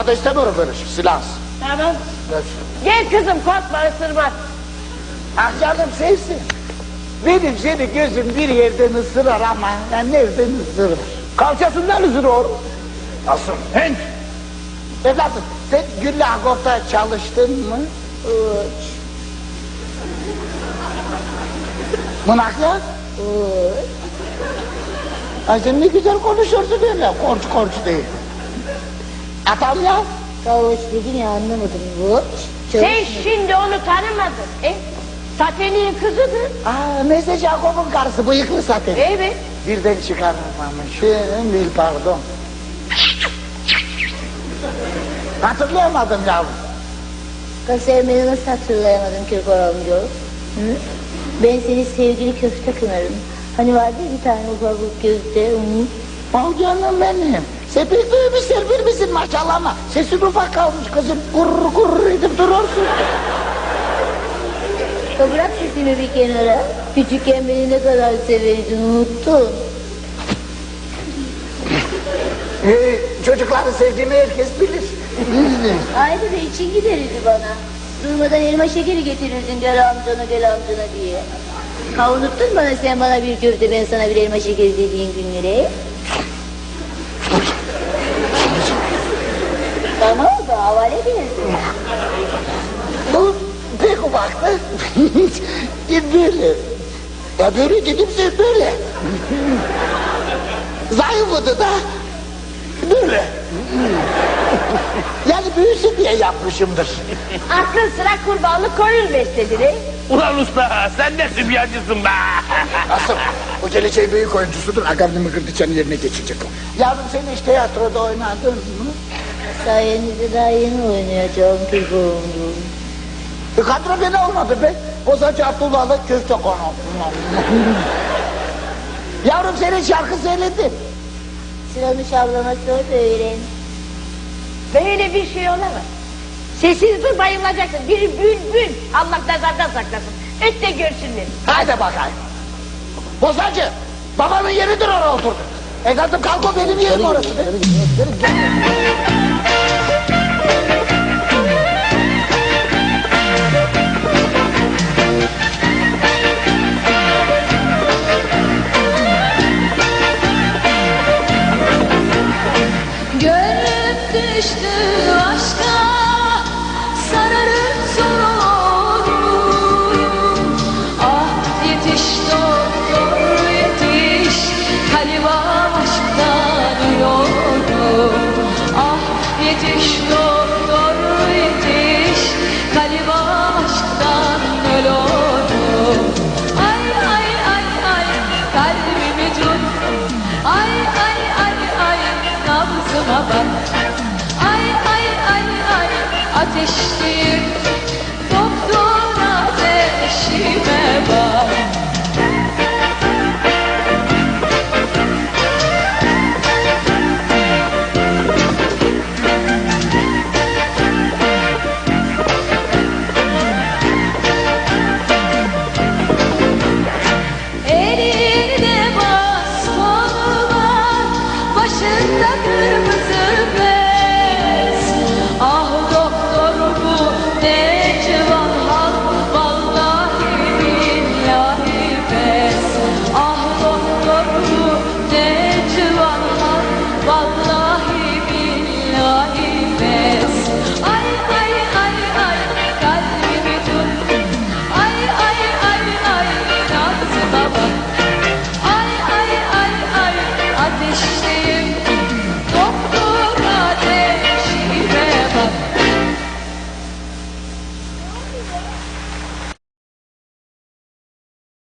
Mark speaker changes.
Speaker 1: Daha da istemiyorum böyle şey, silahsız.
Speaker 2: Tamam. Gel kızım, korkma, ısırmaz.
Speaker 1: Ah canım sevsin. Benim seni gözüm bir yerden ısırar ama nereden ısırır?
Speaker 3: Kalçasından ısırıyor.
Speaker 1: Nasıl? Henk! Evladım, sen Güllü Agop'ta çalıştın mı? Uç. Mınaklar? Uç. Ay sen ne güzel konuşuyorsun öyle, korç değil. Atam ya?
Speaker 4: Kavuç dedim ya, anlamadım. Uç.
Speaker 2: Sen şimdi onu tanımadın. Sateni'nin kızıdır.
Speaker 1: Aa, Meze Jacob'un karısı, bıyıklı zaten.
Speaker 2: Evet.
Speaker 1: Birden çıkarmamışım, bil pardon. Hatırlayamadım yavrum.
Speaker 4: Sevmeni nasıl hatırlayamadım Kirkor amca? Ben seni sevgili köfte kınarım. Hani vardı ya bir tane ufak köfte.
Speaker 1: Oh canım benim. Sen pek büyümüşsün, bir misin maşallah ama sesin ufak kalmış kızım. Gurur gurur edip durursun.
Speaker 4: Bırak sesini bir kenara. Küçükken beni ne kadar severdin, unuttun.
Speaker 1: Çocukları sevdiğimi herkes bilir.
Speaker 4: Ayrıca için giderirdi bana. Durmadan elma şekeri getirirdin gel amcana diye. Ha, unuttun bana sen bana bir köfte, ben sana bir elma şekeri dediğin günleri. Bana oldu, havale bilirsin.
Speaker 1: Bu pek ufaktı. Böyle. Ya böyle dedimse böyle. Zayıfladı da böyle. Yani büyüsün diye yapmışımdır.
Speaker 2: Akıl sıra kurbanlık koyun besledin.
Speaker 3: Ulan usta, sen de sübyancısın be.
Speaker 1: Asıl o geleceğin büyük oyuncusudur. Agavni Mıkırdıçan'ın yerine geçecek o. Yavrum sen hiç tiyatroda oynadın mı?
Speaker 4: Sayenizde daha yeni oynayacağım Kirkor amca.
Speaker 1: Kadro beni olmadı be. Bozacı Abdullah'la köfte konu. Yavrum senin şarkı söyledin.
Speaker 4: Sıramış ablama sor da öğren.
Speaker 2: Böyle bir şey olamaz. Sessiz dur, bayılacaksın. Bir bülbül. Allah nazardan saklasın. Öt de görsünler.
Speaker 1: Haydi bakayım. Bozacı, babamın yeridir oraya oturdu. Evladım kalk, o benim yerim orası be.
Speaker 5: Gönlüm düştü aşka, sararıp soruyorum. Ah yetiş doktor yetiş, kalbim aşktan ölüyorum. Ah yetiş doktor.